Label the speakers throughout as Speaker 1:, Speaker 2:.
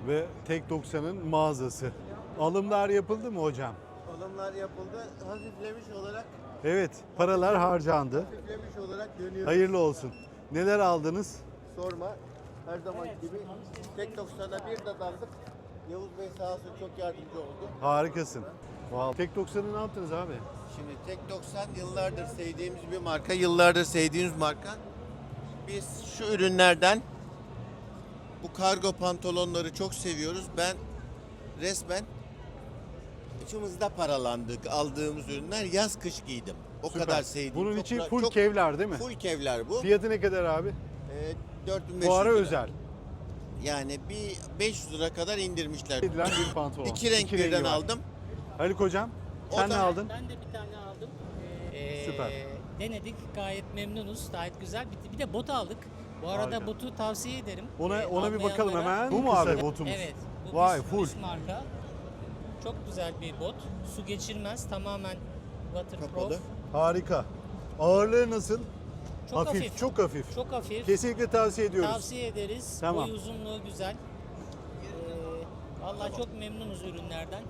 Speaker 1: ve Tek 90'ın mağazası. Alımlar yapıldı mı hocam?
Speaker 2: Alımlar yapıldı. Hafiflemiş olarak
Speaker 1: Paralar harcandı.
Speaker 2: dönüyor.
Speaker 1: Hayırlı olsun. Neler aldınız?
Speaker 2: Sorma. Her zaman gibi Tek 90'a bir dadandık. Yavuz Bey sağ olsun çok yardımcı oldu.
Speaker 1: Harikasın. Tek 90'ı ne yaptınız abi?
Speaker 2: Şimdi Tek 90 yıllardır sevdiğimiz bir marka. Yıllardır sevdiğimiz marka. Biz şu ürünlerden bu kargo pantolonları çok seviyoruz. Ben resmen içimizde paralandık aldığımız ürünler. Yaz kış giydim. O
Speaker 1: Süper.
Speaker 2: kadar sevdiğim.
Speaker 1: Bunun
Speaker 2: çok
Speaker 1: içi
Speaker 2: ra-
Speaker 1: full
Speaker 2: çok-
Speaker 1: kevlar değil mi?
Speaker 2: Full kevlar bu.
Speaker 1: Fiyatı ne kadar abi?
Speaker 2: 4500
Speaker 1: Fuara
Speaker 2: lira.
Speaker 1: özel.
Speaker 2: Yani bir 500 lira kadar indirmişler.
Speaker 1: Edilen bir pantolon.
Speaker 2: İki renk
Speaker 1: rengi
Speaker 2: birden
Speaker 1: var.
Speaker 2: aldım.
Speaker 1: Haluk hocam
Speaker 2: O
Speaker 1: sen
Speaker 2: da-
Speaker 1: ne aldın?
Speaker 3: Ben de bir tane aldım.
Speaker 1: Süper.
Speaker 3: Denedik. Gayet memnunuz. Gayet güzel. Bir de bot aldık. Bu arada
Speaker 1: Harika.
Speaker 3: botu tavsiye ederim.
Speaker 1: Ona bir bakalım
Speaker 3: almayanlara.
Speaker 1: hemen. Bu mu abi botumuz?
Speaker 3: Evet. Bu
Speaker 1: Vay
Speaker 3: üst-
Speaker 1: full.
Speaker 3: üst marka. Çok güzel bir bot. Su geçirmez. Tamamen waterproof.
Speaker 2: Kapalı.
Speaker 1: Harika. Ağırlığı nasıl?
Speaker 3: Çok hafif.
Speaker 1: Çok hafif.
Speaker 3: Çok hafif.
Speaker 1: Kesinlikle tavsiye ediyoruz.
Speaker 3: Tavsiye ederiz.
Speaker 1: Tamam.
Speaker 3: Boy uzunluğu güzel. Vallahi çok memnunuz ürünlerden.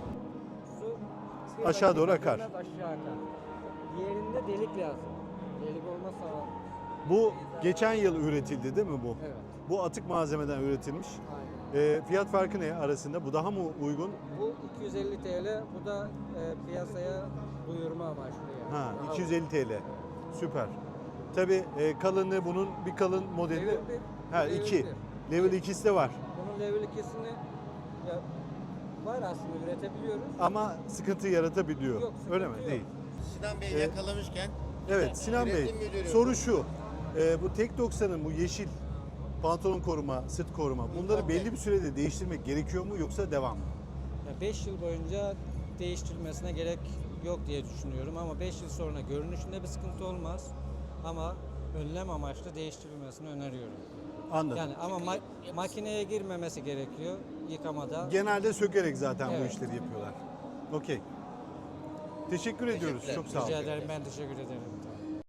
Speaker 4: Su
Speaker 1: Aşağı doğru akar.
Speaker 4: Biraz aşağı akar. Diğerinde delik lazım. Delik olmazsa
Speaker 1: Bu geçen yıl üretildi değil mi bu?
Speaker 4: evet.
Speaker 1: Bu atık malzemeden üretilmiş.
Speaker 4: Aynen.
Speaker 1: Fiyat farkı ne arasında? Bu daha mı uygun?
Speaker 4: Bu 250 TL. Bu da piyasaya duyurma amaçlı yani.
Speaker 1: Ha,
Speaker 4: Daha
Speaker 1: 250 TL. Süper. Tabii kalınlığı bunun bir kalın modeli.
Speaker 4: Level bir,
Speaker 1: Ha
Speaker 4: level
Speaker 1: 2.
Speaker 4: bir.
Speaker 1: Level 2'si de var.
Speaker 4: Bunun level 2'sini ya, var aslında üretebiliyoruz.
Speaker 1: Ama sıkıntı yaratabiliyor.
Speaker 4: Yok, sıkıntı
Speaker 1: Öyle mi?
Speaker 4: yok.
Speaker 1: Değil.
Speaker 2: Sinan Bey
Speaker 1: Ee,
Speaker 2: yakalamışken
Speaker 1: Evet Sinan Bey,
Speaker 2: Üretim müdürü.
Speaker 1: soru şu. Bu Tek 90'ın bu yeşil pantolon koruma, sırt koruma bunları belli bir sürede değiştirmek gerekiyor mu yoksa devam mı?
Speaker 4: 5 yıl boyunca değiştirilmesine gerek yok diye düşünüyorum ama 5 yıl sonra görünüşünde bir sıkıntı olmaz ama önlem amaçlı değiştirilmesini öneriyorum.
Speaker 1: Anladım.
Speaker 4: Yani ama makineye girmemesi gerekiyor yıkamada.
Speaker 1: Genelde sökerek zaten bu
Speaker 4: Evet.
Speaker 1: işleri yapıyorlar. Okey. Teşekkür ediyoruz. Çok sağ olun.
Speaker 4: Rica ederim, ben teşekkür ederim.